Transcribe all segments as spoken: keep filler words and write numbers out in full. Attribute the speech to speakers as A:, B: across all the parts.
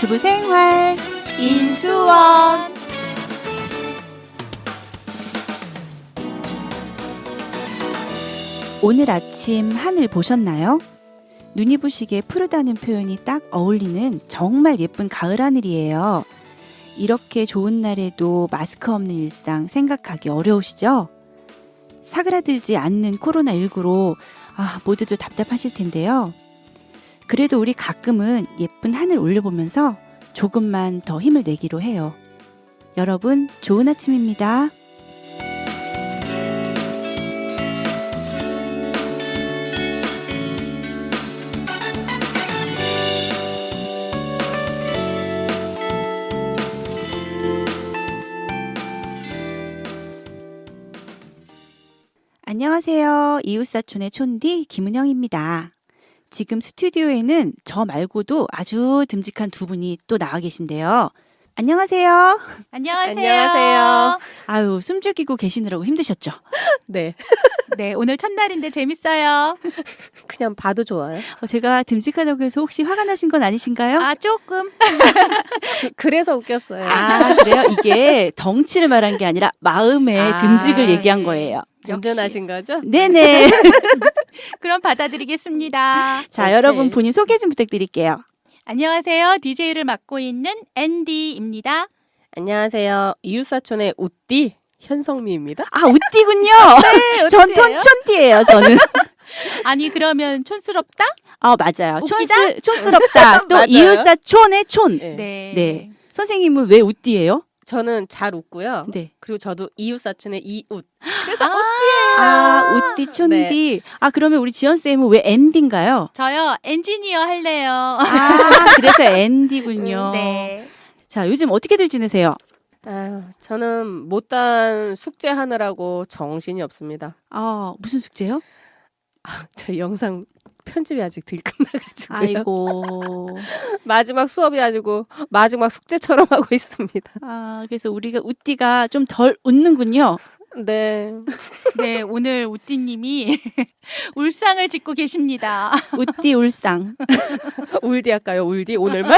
A: 주부 생활
B: 인수원.
A: 오늘 아침 하늘 보셨나요? 눈이 부시게 푸르다는 표현이 딱 어울리는 정말 예쁜 가을 하늘이에요. 이렇게 좋은 날에도 마스크 없는 일상 생각하기 어려우시죠? 사그라들지 않는 코로나십구로 아, 모두들 답답하실 텐데요. 그래도 우리 가끔은 예쁜 하늘 올려보면서 조금만 더 힘을 내기로 해요. 여러분, 좋은 아침입니다. 안녕하세요. 이웃사촌의 촌디 김은영입니다. 지금 스튜디오에는 저 말고도 아주 듬직한 두 분이 또 나와 계신데요. 안녕하세요.
B: 안녕하세요.
C: 안녕하세요.
A: 아유, 숨죽이고 계시느라고 힘드셨죠?
C: 네.
B: 네, 오늘 첫날인데 재밌어요.
C: 그냥 봐도 좋아요.
A: 어, 제가 듬직하다고 해서 혹시 화가 나신 건 아니신가요?
B: 아, 조금.
C: 그래서 웃겼어요.
A: 아, 그래요? 이게 덩치를 말한 게 아니라 마음의
C: 아,
A: 든직을 얘기한
B: 네.
A: 거예요.
C: 운전하신 거죠?
A: 네네.
B: 그럼 받아드리겠습니다.
A: 자,
C: 오케이.
A: 여러분 본인 소개 좀 부탁드릴게요.
B: 안녕하세요. 디제이를 맡고 있는 앤디입니다.
C: 안녕하세요. 이웃사촌의 우띠 현성미입니다.
A: 아, 우띠군요.
C: 네,
A: 전
C: 우띠예요.
A: 촌촌띠예요, 저는.
B: 아니, 그러면 촌스럽다?
A: 아, 맞아요.
B: 웃기다?
A: 촌스, 촌스럽다. 또
C: 맞아요.
A: 이웃사촌의 촌.
C: 네.
B: 네.
A: 네. 선생님은 왜 우띠예요?
C: 저는 잘 웃고요.
A: 네.
C: 그리고 저도 이웃사촌의 이웃. 그래서
B: 아,
A: 아, 우띠, 촌디. 아, 그러면 우리 지연쌤은 왜 앤디인가요?
B: 저요, 엔지니어 할래요.
A: 아, 그래서 앤디군요.
B: 네.
A: 자, 요즘 어떻게들 지내세요?
C: 아유, 저는 못단 숙제하느라고 정신이 없습니다.
A: 아, 무슨 숙제요?
C: 저 영상 편집이 아직 덜 끝나가지고요.
A: 아이고.
C: 마지막 수업이 아니고 마지막 숙제처럼 하고 있습니다.
A: 아, 그래서 우리가 우띠가 좀 덜 웃는군요.
C: 네.
B: 네, 오늘 우띠님이 울상을 짓고 계십니다.
A: 우띠 울상.
C: 울디 할까요? 울디 오늘만?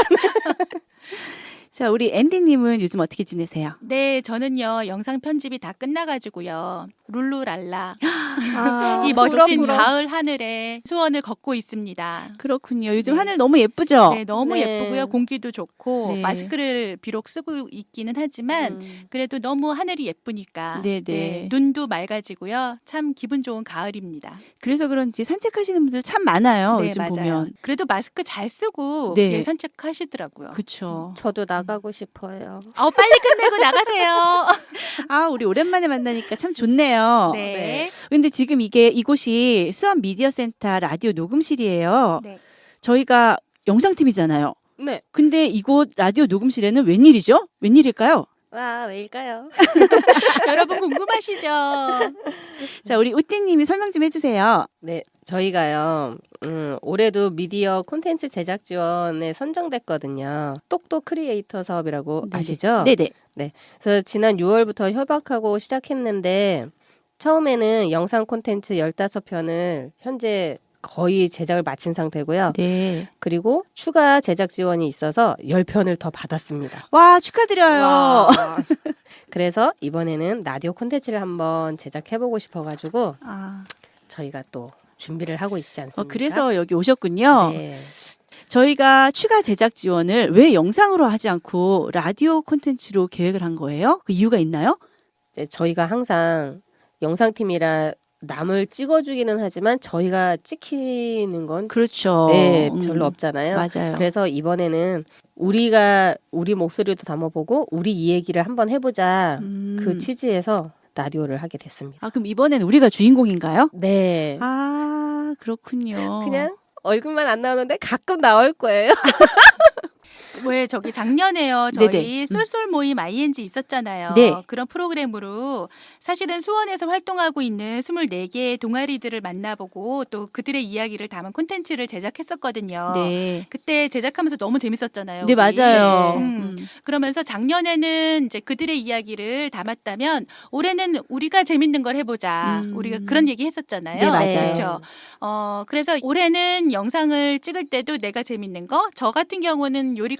A: 자, 우리 앤디님은 요즘 어떻게 지내세요?
B: 네, 저는요, 영상 편집이 다 끝나가지고요. 룰루랄라.
A: 아,
B: 이
C: 부러,
B: 멋진
C: 부러.
B: 가을 하늘에 수원을 걷고 있습니다.
A: 그렇군요. 요즘
B: 네.
A: 하늘 너무 예쁘죠?
B: 네, 너무
C: 네.
B: 예쁘고요. 공기도 좋고
A: 네.
B: 마스크를 비록 쓰고 있기는 하지만
C: 음.
B: 그래도 너무 하늘이 예쁘니까
A: 네, 네.
B: 눈도 맑아지고요. 참 기분 좋은 가을입니다.
A: 그래서 그런지 산책하시는 분들 참 많아요.
B: 네,
A: 요즘
B: 맞아요.
A: 보면.
B: 그래도 마스크 잘 쓰고
A: 네.
B: 예, 산책하시더라고요.
A: 그쵸.
C: 저도 나가고 싶어요.
B: 어, 빨리 끝내고 나가세요.
A: 아, 우리 오랜만에 만나니까 참 좋네요.
B: 네.
A: 근데 지금 이게 이곳이 수원 미디어 센터 라디오 녹음실이에요.
B: 네.
A: 저희가 영상팀이잖아요.
C: 네.
A: 근데 이곳 라디오 녹음실에는 웬일이죠? 웬일일까요?
C: 와, 왜일까요?
B: 여러분 궁금하시죠?
A: 자, 우리 우띠님이 설명 좀 해주세요.
C: 네, 저희가요. 음, 올해도 미디어 콘텐츠 제작 지원에 선정됐거든요. 똑똑 크리에이터 사업이라고
A: 네네.
C: 아시죠?
A: 네네.
C: 그래서 지난 유월부터 협약하고 시작했는데 처음에는 영상 콘텐츠 열다섯 편을 현재 거의 제작을 마친 상태고요.
A: 네.
C: 그리고 추가 제작 지원이 있어서 십 편을 더 받았습니다.
A: 와, 축하드려요.
C: 와. 그래서 이번에는 라디오 콘텐츠를 한번 제작해보고 싶어가지고
A: 아,
C: 저희가 또 준비를 하고 있지 않습니까?
A: 어, 그래서 여기 오셨군요.
C: 네.
A: 저희가 추가 제작 지원을 왜 영상으로 하지 않고 라디오 콘텐츠로 계획을 한 거예요? 그 이유가 있나요?
C: 이제 저희가 항상 영상팀이라 남을 찍어주기는 하지만 저희가 찍히는 건
A: 그렇죠.
C: 네,
A: 음,
C: 별로 없잖아요.
A: 맞아요.
C: 그래서 이번에는 우리가 우리 목소리도 담아보고 우리 이 얘기를 한번 해보자
A: 음.
C: 그 취지에서 라디오를 하게 됐습니다.
A: 아, 그럼 이번엔 우리가 주인공인가요?
C: 네.
A: 아, 그렇군요.
C: 그냥 얼굴만 안 나오는데 가끔 나올 거예요.
B: 왜 저기 작년에요. 저희
A: 네네.
B: 쏠쏠 모임 아이엔지 있었잖아요.
A: 네.
B: 그런 프로그램으로 사실은 수원에서 활동하고 있는 스물네 개의 동아리들을 만나보고 또 그들의 이야기를 담은 콘텐츠를 제작했었거든요.
A: 네.
B: 그때 제작하면서 너무 재밌었잖아요.
A: 네,
B: 우리.
A: 맞아요.
B: 음.
A: 음.
B: 그러면서 작년에는 이제 그들의 이야기를 담았다면 올해는 우리가 재밌는 걸 해보자.
A: 음.
B: 우리가 그런 얘기 했었잖아요.
A: 네, 맞아요.
B: 그렇죠. 어, 그래서 올해는 영상을 찍을 때도 내가 재밌는 거, 저 같은 경우는 요리가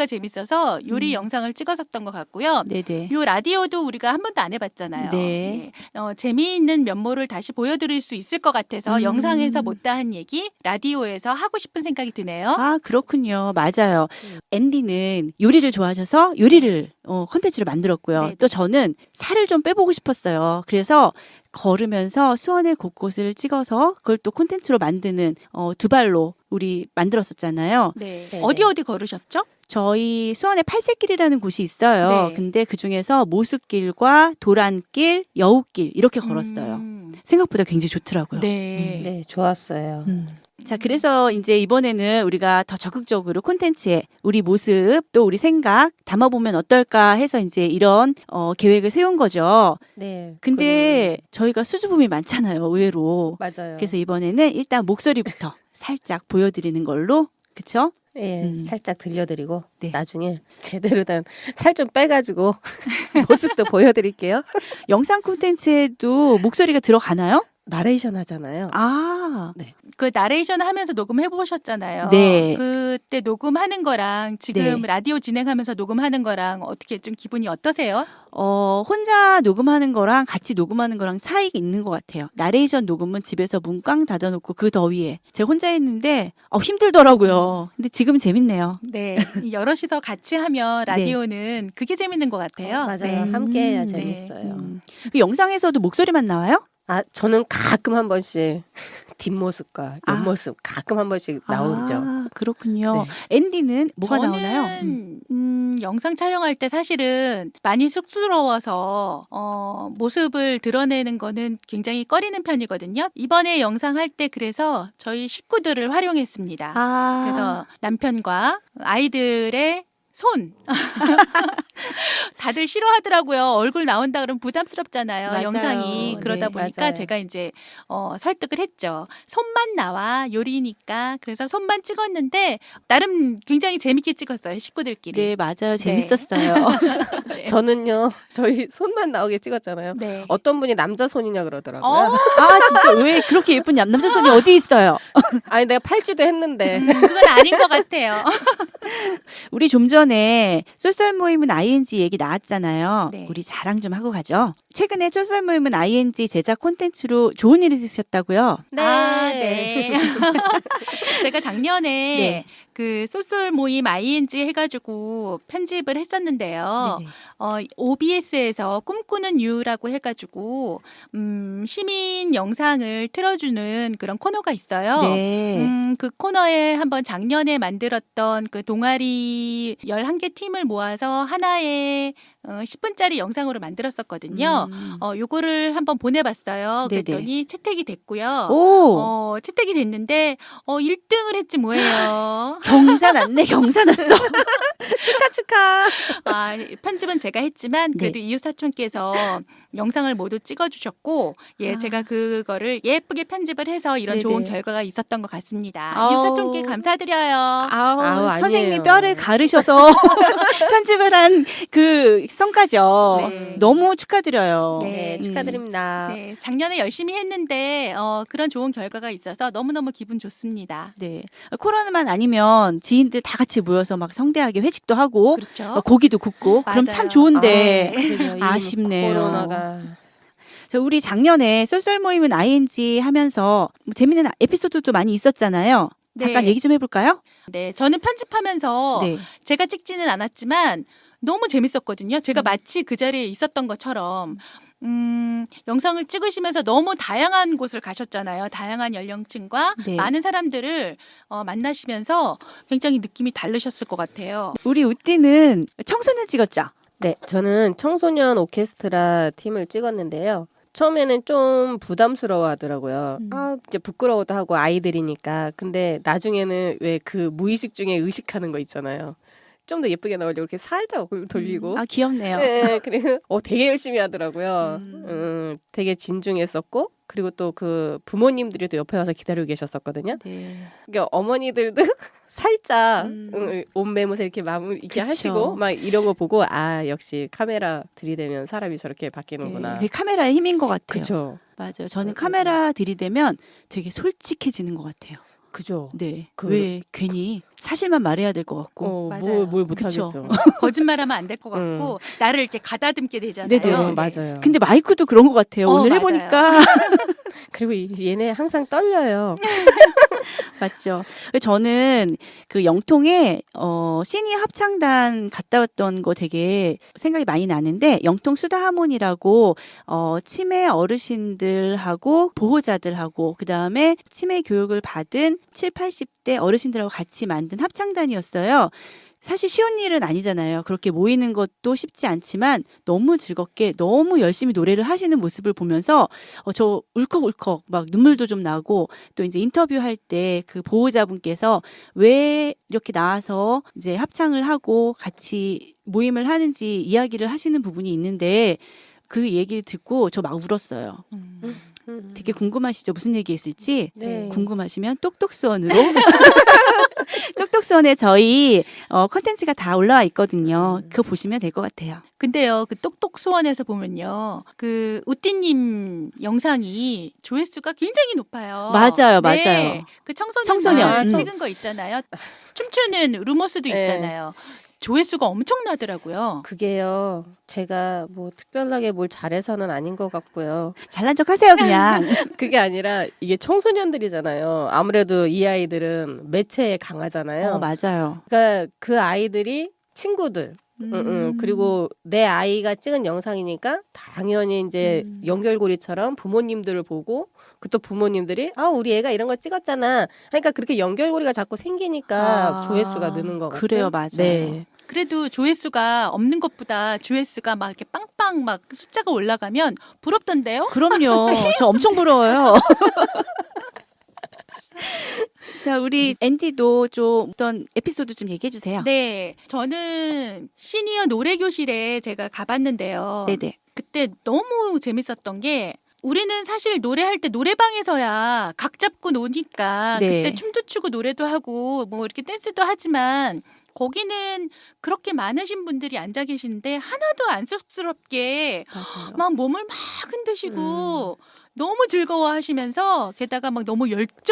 B: 라디오가 재밌어서 요리
A: 음.
B: 영상을 찍었었던 것 같고요.
A: 네네.
B: 요 라디오도 우리가 한 번도 안 해봤잖아요.
A: 네.
B: 예. 어, 재미있는 면모를 다시 보여드릴 수 있을 것 같아서
A: 음.
B: 영상에서 못다한 얘기 라디오에서 하고 싶은 생각이 드네요.
A: 아, 그렇군요. 맞아요.
C: 음.
A: 앤디는 요리를 좋아하셔서 요리를 어, 콘텐츠로 만들었고요.
B: 네네.
A: 또 저는 살을 좀 빼보고 싶었어요. 그래서 걸으면서 수원의 곳곳을 찍어서 그걸 또 콘텐츠로 만드는 어, 두 발로 우리 만들었었잖아요.
B: 네.
C: 네네.
B: 어디 어디 걸으셨죠?
A: 저희 수원에 팔색길이라는 곳이 있어요.
B: 네.
A: 근데 그 중에서 모수길과 도란길, 여우길 이렇게 걸었어요.
B: 음.
A: 생각보다 굉장히 좋더라고요.
B: 네.
C: 네, 좋았어요.
A: 음. 자, 그래서 이제 이번에는 우리가 더 적극적으로 콘텐츠에 우리 모습 또 우리 생각 담아보면 어떨까 해서 이제 이런 어, 계획을 세운 거죠.
C: 네.
A: 근데 저희가 수줍음이 많잖아요, 의외로.
C: 그리고- 맞아요.
A: 그래서 이번에는 일단 목소리부터 살짝 보여드리는 걸로, 그쵸?
C: 예,
A: 음.
C: 살짝 들려드리고
A: 네.
C: 나중에 제대로 된 살 좀 빼가지고 모습도 보여드릴게요.
A: 영상 콘텐츠에도 목소리가 들어가나요?
C: 나레이션 하잖아요.
A: 아,
B: 그 나레이션 하면서 녹음해 보셨잖아요.
A: 네.
B: 그때 녹음하는 거랑 지금
A: 네.
B: 라디오 진행하면서 녹음하는 거랑 어떻게 좀 기분이 어떠세요?
A: 어, 혼자 녹음하는 거랑 같이 녹음하는 거랑 차이가 있는 것 같아요. 나레이션 녹음은 집에서 문 꽝 닫아놓고 그 더위에 제가 혼자 했는데 어, 힘들더라고요. 근데 지금 재밌네요.
B: 네. 이 여럿이서 같이 하면 라디오는 그게 재밌는 것 같아요.
C: 어, 맞아요.
B: 네.
C: 함께해야
A: 음,
C: 재밌어요.
A: 음. 그 영상에서도 목소리만 나와요?
C: 아, 저는 가끔 한 번씩 뒷모습과
A: 아.
C: 옆모습 가끔 한 번씩 나오죠.
A: 아, 그렇군요.
C: 네.
A: 앤디는 뭐가
B: 저는
A: 나오나요? 음.
B: 음, 영상 촬영할 때 사실은 많이 쑥스러워서 어, 모습을 드러내는 거는 굉장히 꺼리는 편이거든요. 이번에 영상 할 때 그래서 저희 식구들을 활용했습니다.
A: 아,
B: 그래서 남편과 아이들의 손. 다들 싫어하더라고요. 얼굴 나온다 그러면 부담스럽잖아요.
A: 맞아요.
B: 영상이. 그러다
A: 네,
B: 보니까
C: 맞아요.
B: 제가 이제 어, 설득을 했죠. 손만 나와 요리니까. 그래서 손만 찍었는데 나름 굉장히 재밌게 찍었어요. 식구들끼리.
A: 네, 맞아요. 재밌었어요.
B: 네.
C: 저는요, 저희 손만 나오게 찍었잖아요.
B: 네.
C: 어떤 분이 남자 손이냐 그러더라고요.
B: 어?
A: 아, 진짜 왜 그렇게 예쁜 남- 남자 손이 어디 있어요?
C: 아니 내가 팔지도 했는데
B: 음, 그건 아닌 것 같아요.
A: 우리 좀 전에 쏠쏠 모임은 아이엔지 얘기 나왔잖아요.
B: 네.
A: 우리 자랑 좀 하고 가죠. 최근에 쏠쏠 모임은 아이엔지 제작 콘텐츠로 좋은 일이 있으셨다고요?
C: 네.
B: 아, 네. 제가 작년에
A: 네.
B: 그 쏠쏠 모임 아이엔지 해가지고 편집을 했었는데요.
A: 네네.
B: 어, 오비에스에서 꿈꾸는 유라고 해가지고 음, 시민 영상을 틀어주는 그런 코너가 있어요.
A: 네.
B: 음, 그 코너에 한번 작년에 만들었던 그 동아리 열한 개 팀을 모아서 하나의 어, 십 분짜리 영상으로 만들었었거든요.
A: 음.
B: 어, 요거를 한번 보내봤어요.
A: 네네.
B: 그랬더니 채택이 됐고요.
A: 오,
B: 어, 채택이 됐는데 어, 일 등을 했지 뭐예요.
A: 경사 났네, 경사 났어.
C: 축하 축하.
B: 아, 편집은 제가 했지만 그래도 이웃 사촌께서 영상을 모두 찍어주셨고, 예,
A: 아.
B: 제가 그거를 예쁘게 편집을 해서 이런
A: 네네.
B: 좋은 결과가 있었던 것 같습니다.
A: 아우.
B: 이웃 사촌께 감사드려요.
A: 아우,
C: 아우,
A: 선생님이
C: 아니에요.
A: 뼈를 가르셔서 편집을 한 그 성과죠.
B: 네.
A: 너무 축하드려요.
B: 네.
C: 네, 축하드립니다.
B: 네, 작년에 열심히 했는데 어, 그런 좋은 결과가 있어서 너무너무 기분 좋습니다.
A: 네. 코로나만 아니면 지인들 다 같이 모여서 막 성대하게 회식도 하고
B: 그렇죠.
A: 어, 고기도 굽고 그럼 참
B: 맞아요.
A: 좋은데
C: 아, 그러게요. 이
A: 아쉽네요.
C: 코로나가
A: 저 우리 작년에 쏠쏠 모임은 아이엔지 하면서 뭐 재밌는 에피소드도 많이 있었잖아요. 잠깐
B: 네.
A: 얘기 좀 해볼까요?
B: 네, 저는 편집하면서
A: 네.
B: 제가 찍지는 않았지만 너무 재밌었거든요. 제가
A: 음.
B: 마치 그 자리에 있었던 것처럼 음, 영상을 찍으시면서 너무 다양한 곳을 가셨잖아요. 다양한 연령층과
A: 네.
B: 많은 사람들을 어, 만나시면서 굉장히 느낌이 다르셨을 것 같아요.
A: 우리 우띠는 청소년 찍었죠?
C: 네, 저는 청소년 오케스트라 팀을 찍었는데요. 처음에는 좀 부담스러워 하더라고요.
A: 음.
C: 아, 이제 부끄러워도 하고 아이들이니까. 근데 나중에는 왜 그 무의식 중에 의식하는 거 있잖아요. 좀 더 예쁘게 나오려고 이렇게 살짝 얼굴 돌리고.
A: 아, 귀엽네요.
C: 네, 그리고 어 되게 열심히 하더라고요.
A: 음.
C: 음, 되게 진중했었고, 그리고 또 그 부모님들이 또 옆에 와서 기다리고 계셨었거든요.
A: 네.
C: 그러니까 어머니들도 살짝
A: 음.
C: 음, 옷 매무새 이렇게 마무 이렇게
A: 그쵸.
C: 하시고 막 이런 거 보고 아 역시 카메라 들이대면 사람이 저렇게 바뀌는구나.
A: 네. 그게 카메라의 힘인 것 같아요.
C: 그렇죠.
A: 맞아요. 저는
C: 음,
A: 카메라 들이대면 되게 솔직해지는 것 같아요.
C: 그죠.
A: 네.
C: 그-
A: 왜 괜히 사실만 말해야 될 것 같고.
C: 어,
B: 맞아요.
C: 뭘, 뭘
A: 그쵸.
C: 못하겠어.
B: 거짓말하면 안 될 것 같고 나를 이렇게 가다듬게 되잖아요.
A: 네네.
C: 어,
B: 네.
C: 맞아요.
A: 근데 마이크도 그런 것 같아요.
B: 어,
A: 오늘
B: 맞아요.
A: 해보니까.
C: 그리고 이- 얘네 항상 떨려요.
A: 맞죠. 저는 그 영통에 어 시니어 합창단 갔다 왔던 거 되게 생각이 많이 나는데 영통 수다 하모니라고 어 치매 어르신들하고 보호자들하고 그다음에 치매 교육을 받은 칠, 팔십 대 어르신들하고 같이 만든 합창단이었어요. 사실 쉬운 일은 아니잖아요. 그렇게 모이는 것도 쉽지 않지만 너무 즐겁게 너무 열심히 노래를 하시는 모습을 보면서 어, 저 울컥울컥 막 눈물도 좀 나고 또 이제 인터뷰할 때 그 보호자분께서 왜 이렇게 나와서 이제 합창을 하고 같이 모임을 하는지 이야기를 하시는 부분이 있는데 그 얘기를 듣고 저 막 울었어요.
B: 음.
C: 음.
A: 되게 궁금하시죠? 무슨 얘기했을지?
C: 네.
A: 궁금하시면 똑똑수원으로 똑똑수원에 저희 어, 컨텐츠가 다 올라와 있거든요.
C: 음.
A: 그거 보시면 될 것 같아요.
B: 근데요, 그 똑똑 수원에서 보면요, 그 우띠님 영상이 조회수가 굉장히 높아요.
A: 맞아요,
B: 네,
A: 맞아요.
B: 그 청소년
A: 청소년,
B: 아,
A: 음.
B: 찍은 거 있잖아요. 춤추는 루머스도
C: 네.
B: 있잖아요. 조회수가 엄청나더라고요.
C: 그게요. 제가 뭐 특별하게 뭘 잘해서는 아닌 것 같고요.
A: 잘난 척 하세요, 그냥.
C: 그게 아니라 이게 청소년들이잖아요. 아무래도 이 아이들은 매체에 강하잖아요.
A: 어, 맞아요.
C: 그러니까 그 아이들이 친구들,
A: 음.
C: 응, 응. 그리고 내 아이가 찍은 영상이니까 당연히 이제
A: 음.
C: 연결고리처럼 부모님들을 보고 그 또 부모님들이 아 우리 애가 이런 거 찍었잖아. 그러니까 그렇게 연결고리가 자꾸 생기니까
A: 아,
C: 조회수가 느는 것 같아요.
A: 그래요, 맞아요.
C: 네.
B: 그래도 조회수가 없는 것보다 조회수가 막 이렇게 빵빵 막 숫자가 올라가면 부럽던데요?
A: 그럼요. 저 엄청 부러워요. 자, 우리 앤디도 좀 어떤 에피소드 좀 얘기해 주세요.
B: 네, 저는 시니어 노래교실에 제가 가봤는데요.
A: 네네.
B: 그때 너무 재밌었던 게 우리는 사실 노래할 때 노래방에서야 각 잡고 노니까
A: 네.
B: 그때 춤도 추고 노래도 하고 뭐 이렇게 댄스도 하지만 거기는 그렇게 많으신 분들이 앉아 계시는데 하나도 안 쑥스럽게
C: 맞아요.
B: 막 몸을 막 흔드시고 너무 즐거워하시면서 게다가 막 너무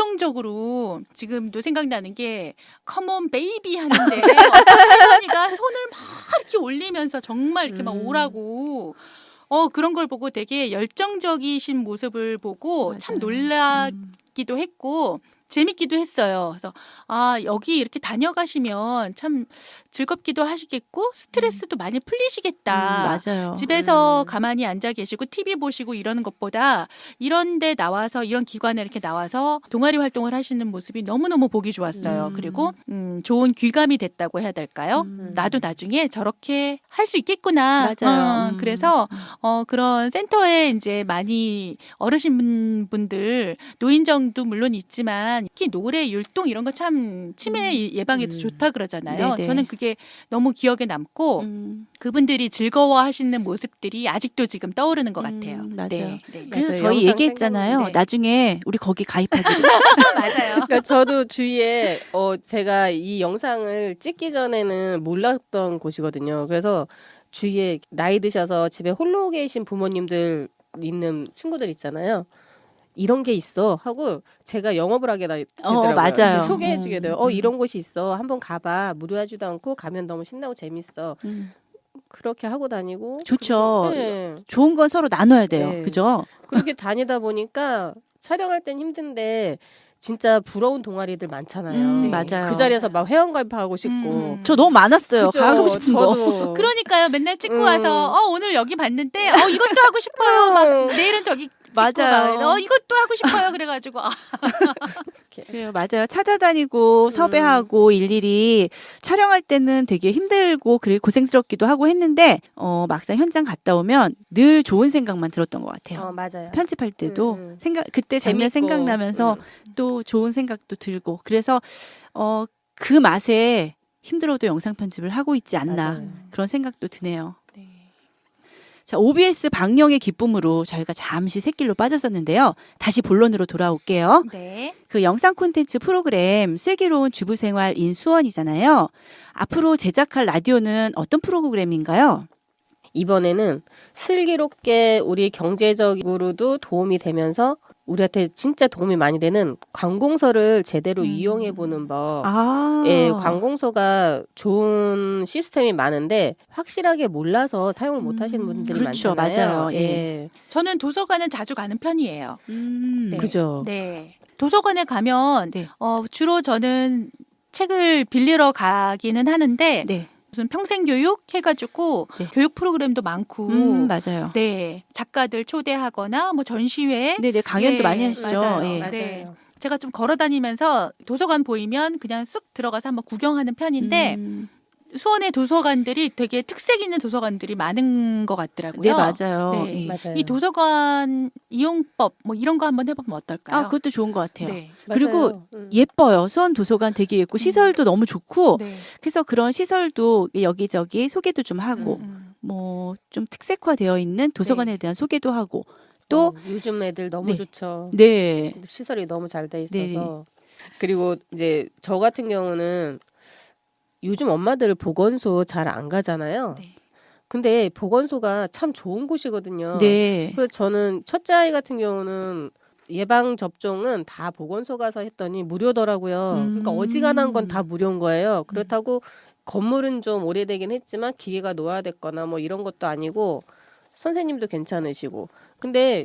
B: 열정적으로 지금도 생각나는 게 컴온 베이비 하는데 어떤 할머니가 손을 막 이렇게 올리면서 정말 이렇게 막
C: 음.
B: 오라고 어 그런 걸 보고 되게 열정적이신 모습을 보고 참
A: 맞아요.
B: 놀라기도
A: 음.
B: 했고 재밌기도 했어요. 그래서 아 여기 이렇게 다녀가시면 참 즐겁기도 하시겠고 스트레스도 많이 풀리시겠다.
A: 음, 맞아요.
B: 집에서
C: 음.
B: 가만히 앉아 계시고 티비 보시고 이러는 것보다 이런 데 나와서 이런 기관에 이렇게 나와서 동아리 활동을 하시는 모습이 너무너무 보기 좋았어요.
A: 음.
B: 그리고 음, 좋은 귀감이 됐다고 해야 될까요?
A: 음.
B: 나도 나중에 저렇게 할 수 있겠구나.
A: 맞아요.
B: 어,
A: 음.
B: 그래서 어, 그런 센터에 이제 많이 어르신 분들 노인정도 물론 있지만 특히 노래 율동 이런 거 참 치매 예방에도
C: 음.
B: 좋다 그러잖아요.
A: 네네.
B: 저는 그게 너무 기억에 남고
A: 음.
B: 그분들이 즐거워하시는 모습들이 아직도 지금 떠오르는 것
A: 음,
B: 같아요.
A: 맞아요.
B: 네, 네.
A: 그래서
C: 맞아요.
A: 저희
C: 영상
A: 얘기했잖아요.
B: 생각나는데.
A: 나중에 우리 거기 가입하기로.
B: 맞아요.
C: 그러니까 저도 주위에 어 제가 이 영상을 찍기 전에는 몰랐던 곳이거든요. 그래서 주위에 나이 드셔서 집에 홀로 계신 부모님들 있는 친구들 있잖아요. 이런 게 있어 하고 제가 영업을 하게 다- 되더라고요.
A: 맞아요.
C: 소개해주게 돼요.
A: 음,
C: 어
A: 음.
C: 이런 곳이 있어. 한번 가봐. 무료하지도 않고 가면 너무 신나고 재밌어.
A: 음.
C: 그렇게 하고 다니고.
A: 좋죠.
C: 그리고- 네.
A: 좋은 건 서로 나눠야 돼요.
C: 네.
A: 그죠?
C: 그렇게 다니다 보니까 촬영할 땐 힘든데 진짜 부러운 동아리들 많잖아요.
A: 음,
B: 네.
A: 맞아요.
C: 그 자리에서 막 회원가입하고 싶고.
B: 음.
A: 저 너무 많았어요.
C: 그죠?
A: 가고 싶은 거.
C: 저도.
B: 그러니까요. 맨날 찍고
C: 음.
B: 와서 어 오늘 여기 봤는데 어 이것도 하고 싶어요. 막
C: 음.
B: 내일은 저기 찍고
A: 맞아요.
B: 막, 어 이것도 하고 싶어요. 그래가지고 아,
A: 그래요, 맞아요. 찾아다니고 섭외하고 일일이 촬영할 때는 되게 힘들고 그래 고생스럽기도 하고 했는데 어, 막상 현장 갔다 오면 늘 좋은 생각만 들었던 것 같아요.
C: 어 맞아요.
A: 편집할 때도
C: 음, 음.
A: 생각 그때 장면
C: 재밌고.
A: 생각나면서
C: 음.
A: 또 좋은 생각도 들고 그래서 어, 그 맛에 힘들어도 영상 편집을 하고 있지 않나
C: 맞아요.
A: 그런 생각도 드네요.
B: 네.
A: 자, 오비에스 방영의 기쁨으로 저희가 잠시 샛길로 빠졌었는데요. 다시 본론으로 돌아올게요.
B: 네.
A: 그 영상 콘텐츠 프로그램 슬기로운 주부생활인 수원이잖아요. 앞으로 제작할 라디오는 어떤 프로그램인가요?
C: 이번에는 슬기롭게 우리 경제적으로도 도움이 되면서 우리한테 진짜 도움이 많이 되는 관공서를 제대로
B: 음.
C: 이용해 보는 법.
A: 아.
C: 예, 관공서가 좋은 시스템이 많은데 확실하게 몰라서 사용을 못
B: 음,
C: 하시는 분들이
A: 그렇죠.
C: 많잖아요.
A: 맞아요. 예.
C: 예.
B: 저는 도서관은 자주 가는 편이에요.
A: 음.
B: 네.
C: 그죠.
B: 네. 도서관에 가면
A: 네.
B: 어, 주로 저는 책을 빌리러 가기는 하는데
A: 네.
B: 무슨 평생교육 해가지고
A: 네.
B: 교육 프로그램도 많고
A: 음, 맞아요.
B: 네 작가들 초대하거나 뭐 전시회
A: 네, 네. 강연도
B: 예,
A: 많이 하시죠.
B: 맞아요.
A: 예.
C: 맞아요.
B: 네. 제가 좀 걸어 다니면서 도서관 보이면 그냥 쑥 들어가서 한번 구경하는 편인데
A: 음.
B: 수원의 도서관들이 되게 특색 있는 도서관들이 많은 것 같더라고요.
A: 네, 맞아요.
B: 네.
A: 예.
C: 맞아요.
B: 이 도서관 이용법 뭐 이런 거 한번 해보면 어떨까요?
A: 아, 그것도 좋은 것 같아요.
B: 네.
A: 그리고
C: 맞아요. 음.
A: 예뻐요. 수원 도서관 되게 예쁘고 시설도 너무 좋고
B: 네.
A: 그래서 그런 시설도 여기저기 소개도 좀 하고
B: 음, 음.
A: 뭐 좀 특색화되어 있는 도서관에
B: 네.
A: 대한 소개도 하고 또
C: 어, 요즘 애들 너무
A: 네.
C: 좋죠.
A: 네.
C: 시설이 너무 잘 돼 있어서.
A: 네.
C: 그리고 이제 저 같은 경우는 요즘 엄마들 보건소 잘 안 가잖아요.
B: 네.
C: 근데 보건소가 참 좋은 곳이거든요.
A: 네.
C: 그래서 저는 첫째 아이 같은 경우는 예방 접종은 다 보건소 가서 했더니 무료더라고요.
A: 음.
C: 그러니까 어지간한 건 다 무료인 거예요. 그렇다고 건물은 좀 오래되긴 했지만 기계가 노화됐거나 뭐 이런 것도 아니고 선생님도 괜찮으시고. 근데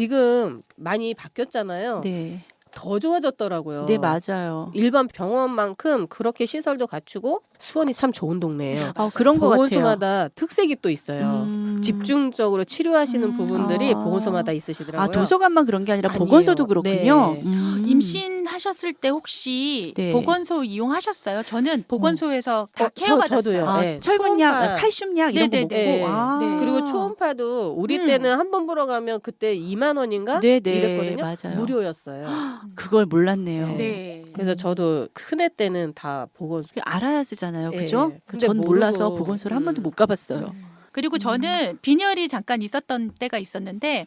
C: 지금 많이 바뀌었잖아요.
A: 네.
C: 더 좋아졌더라고요.
A: 네, 맞아요.
C: 일반 병원만큼 그렇게 시설도 갖추고 수원이 참 좋은 동네예요.
A: 아, 그런 것 같아요.
C: 보건소마다 특색이 또 있어요.
A: 음.
C: 집중적으로 치료하시는
B: 음.
C: 부분들이
A: 아.
C: 보건소마다
A: 아,
C: 있으시더라고요.
A: 도서관만 그런 게 아니라
C: 아니에요.
A: 보건소도 그렇군요.
C: 네.
A: 음.
B: 임신하셨을 때 혹시
A: 네.
B: 보건소 이용하셨어요? 저는 보건소에서 다
C: 어,
B: 케어
C: 저-
B: 받았어요.
C: 저도요.
A: 아,
C: 네.
A: 철분약,
C: 초음파.
A: 칼슘약 이런 거 먹고.
B: 네네네.
C: 네.
A: 아.
B: 네.
C: 그리고 초음파도 우리
B: 음.
C: 때는 한 번 보러 가면 그때 이만 원인가
A: 네, 네.
C: 이랬거든요.
A: 맞아요.
C: 무료였어요.
A: 그걸 몰랐네요.
C: 네.
B: 네.
C: 그래서 저도 큰애 때는 다 보건소.
A: 알아야 쓰잖아요.
C: 예.
A: 그죠?
C: 근데
A: 전 몰라서
C: 모르고,
A: 보건소를 한
C: 음.
A: 번도 못 가봤어요.
B: 그리고 저는 빈혈이 잠깐 있었던 때가 있었는데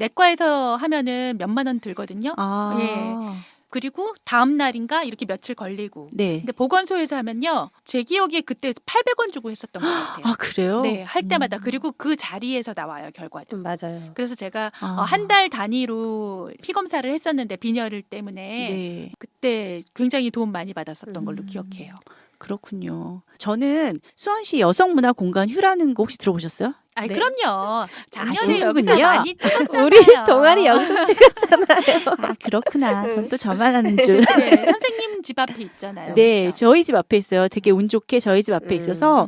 B: 내과에서 하면은 몇만 원 들거든요.
A: 아.
B: 예. 그리고 다음 날인가 이렇게 며칠 걸리고.
A: 네.
B: 근데 보건소에서 하면요. 제 기억에 그때 팔백 원 주고 했었던 것 같아요.
A: 아, 그래요?
B: 네, 할 때마다.
A: 음.
B: 그리고 그 자리에서 나와요, 결과도.
C: 음, 맞아요.
B: 그래서 제가
A: 아.
B: 어, 한 달 단위로 피 검사를 했었는데 빈혈 때문에
A: 네.
B: 그때 굉장히 도움 많이 받았었던 걸로
A: 음.
B: 기억해요.
A: 그렇군요. 저는 수원시 여성문화공간 휴라는 거 혹시 들어보셨어요?
B: 아이,
C: 네.
B: 그럼요. 작년에
A: 아시는군요.
B: 여기서 많이 찍었잖아요.
C: 우리 동아리 영상 찍었잖아요.
A: 아, 그렇구나. 전
C: 응.
A: 또 저만 아는 줄.
B: 네, 선생님 집 앞에 있잖아요.
A: 네,
B: 그렇죠?
A: 저희 집 앞에 있어요. 되게 운 좋게 저희 집 앞에
C: 음.
A: 있어서
B: 음.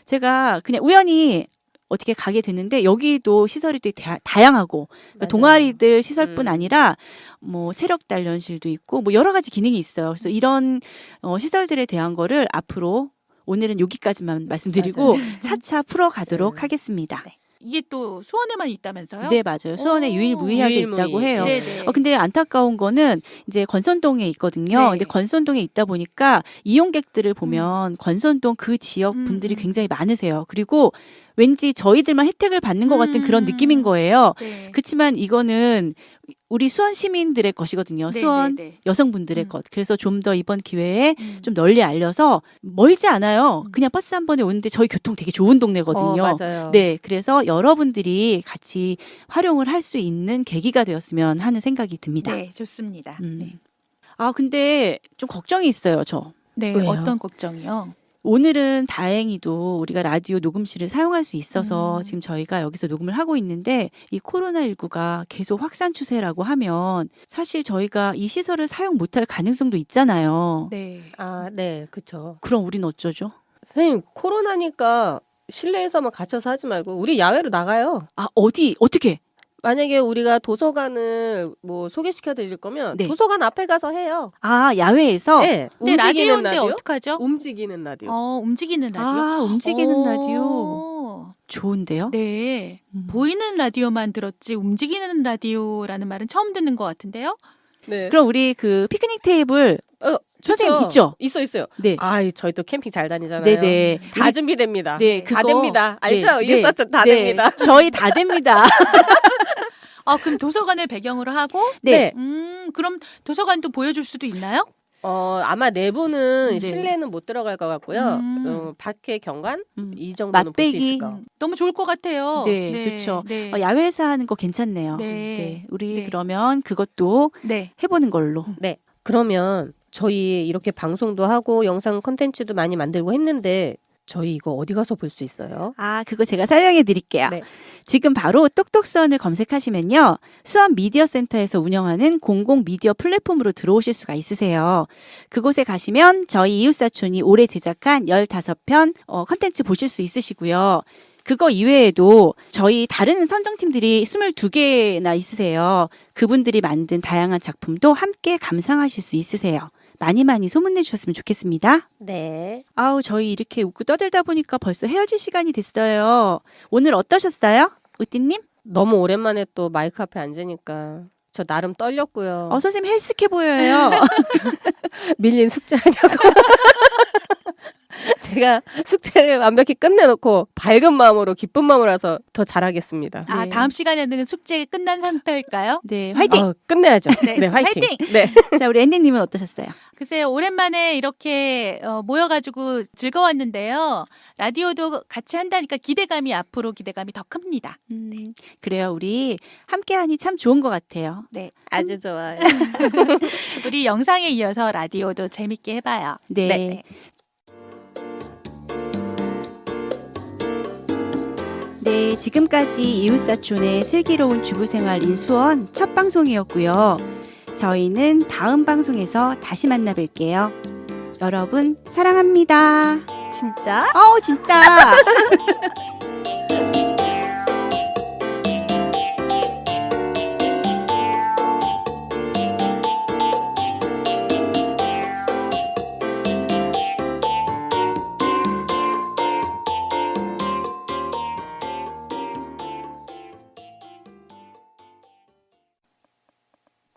A: 제가 그냥 우연히 어떻게 가게 됐는데 여기도 시설이 되게 다, 다양하고 그러니까
C: 맞아요.
A: 동아리들 시설뿐
C: 음.
A: 아니라 뭐 체력 단련실도 있고 뭐 여러 가지 기능이 있어요. 그래서 이런 어, 시설들에 대한 거를 앞으로 오늘은 여기까지만 말씀드리고
C: 맞아요.
A: 차차 풀어가도록
C: 음.
A: 하겠습니다.
B: 네. 이게 또 수원에만 있다면서요?
A: 네, 맞아요. 수원에
B: 오.
A: 유일무이하게
C: 유일무이.
A: 있다고 해요.
B: 네, 네.
A: 어, 근데 안타까운 거는 이제 건선동에 있거든요.
B: 네.
A: 근데 건선동에 있다 보니까 이용객들을 보면 건선동 그 지역
B: 음,
A: 분들이
B: 음.
A: 굉장히 많으세요. 그리고 왠지 저희들만 혜택을 받는 것 같은 그런
B: 음.
A: 느낌인 거예요.
B: 네.
A: 그렇지만 이거는 우리 수원 시민들의 것이거든요.
B: 네,
A: 수원
B: 네, 네.
A: 여성분들의
B: 음.
A: 것. 그래서 좀 더 이번 기회에
B: 음.
A: 좀 널리 알려서 멀지 않아요.
B: 음.
A: 그냥 버스 한 번에 오는데 저희 교통 되게 좋은 동네거든요.
C: 어, 맞아요.
A: 네, 그래서 여러분들이 같이 활용을 할 수 있는 계기가 되었으면 하는 생각이 듭니다.
B: 네, 좋습니다.
A: 음.
B: 네.
A: 아, 근데 좀 걱정이 있어요, 저.
B: 네,
C: 왜요?
B: 어떤 걱정이요?
A: 오늘은 다행히도 우리가 라디오 녹음실을 사용할 수 있어서
B: 음.
A: 지금 저희가 여기서 녹음을 하고 있는데 이 코로나십구가 계속 확산 추세라고 하면 사실 저희가 이 시설을 사용 못할 가능성도 있잖아요.
B: 네.
C: 아, 네, 그렇죠.
A: 그럼 우린 어쩌죠?
C: 선생님 코로나니까 실내에서만 갇혀서 하지 말고 우리 야외로 나가요.
A: 아, 어디, 어떻게?
C: 만약에 우리가 도서관을 뭐 소개시켜 드릴 거면
A: 네.
C: 도서관 앞에 가서 해요.
A: 아, 야외에서?
C: 네,
B: 근데
C: 움직이는
B: 라디오인데
C: 라디오.
B: 어떡하죠?
C: 움직이는 라디오.
B: 어, 움직이는 라디오.
A: 아, 움직이는
B: 오.
A: 라디오. 좋은데요?
B: 네.
A: 음.
B: 보이는 라디오만 들었지 움직이는 라디오라는 말은 처음 듣는 것 같은데요?
C: 네.
A: 그럼 우리 그 피크닉 테이블
C: 어,
A: 선생님
C: 좋죠.
A: 있죠?
C: 있어 있어요.
A: 네.
C: 아, 저희 또 캠핑 잘 다니잖아요.
A: 네네.
C: 다
A: 우리-
C: 준비됩니다.
A: 네,
C: 다
A: 그거-
C: 됩니다. 알죠?
A: 네,
C: 이게 썼죠? 다
A: 네.
C: 됩니다.
A: 저희 다 됩니다.
B: 아, 그럼 도서관을 배경으로 하고
A: 네.
B: 음, 그럼 도서관도 보여줄 수도 있나요?
C: 어, 아마 내부는
A: 네.
C: 실내는 못 들어갈 것 같고요.
B: 음.
C: 어, 밖에 경관
A: 음.
C: 이 정도는 볼 수
A: 맛배기.
C: 있을 거.
B: 음, 너무 좋을 것 같아요.
A: 네, 좋죠.
B: 네.
A: 어, 야외에서 하는 거 괜찮네요.
B: 네.
A: 우리
B: 네.
A: 그러면 그것도
B: 네.
A: 해보는 걸로.
C: 네. 그러면 저희 이렇게 방송도 하고 영상 콘텐츠도 많이 만들고 했는데 저희 이거 어디 가서 볼 수 있어요?
A: 아, 그거 제가 설명해 드릴게요.
C: 네.
A: 지금 바로 똑똑수원을 검색하시면요. 수원 미디어 센터에서 운영하는 공공 미디어 플랫폼으로 들어오실 수가 있으세요. 그곳에 가시면 저희 이웃사촌이 올해 제작한 열다섯 편 어, 컨텐츠 보실 수 있으시고요. 그거 이외에도 저희 다른 선정팀들이 스물두 개나 있으세요. 그분들이 만든 다양한 작품도 함께 감상하실 수 있으세요. 많이 많이 소문내 주셨으면 좋겠습니다.
C: 네.
A: 아우, 저희 이렇게 웃고 떠들다 보니까 벌써 헤어질 시간이 됐어요. 오늘 어떠셨어요? 우띠님?
C: 너무 오랜만에 또 마이크 앞에 앉으니까 저 나름 떨렸고요.
A: 어, 선생님 헬스케 보여요.
C: 밀린 숙제하냐고. 제가 숙제를 완벽히 끝내놓고 밝은 마음으로 기쁜 마음으로 와서 더 잘하겠습니다.
B: 아,
A: 네.
B: 다음 시간에는 숙제 끝난 상태일까요?
A: 네, 화이팅!
C: 어, 끝내야죠.
B: 네,
C: 네, 화이팅.
B: 화이팅!
C: 네.
A: 자, 우리 앤디님은 어떠셨어요?
B: 글쎄요, 오랜만에 이렇게 어, 모여가지고 즐거웠는데요. 라디오도 같이 한다니까 기대감이 앞으로 기대감이 더 큽니다.
A: 음, 그래요. 우리 함께하니 참 좋은 것 같아요.
B: 네,
C: 아주 좋아요.
B: 우리 영상에 이어서 라디오도 재밌게 해봐요.
A: 네.
B: 네.
A: 네, 지금까지 이웃사촌의 슬기로운 주부생활 인수원 첫 방송이었고요. 저희는 다음 방송에서 다시 만나 뵐게요. 여러분, 사랑합니다.
C: 진짜?
A: 어우, 진짜.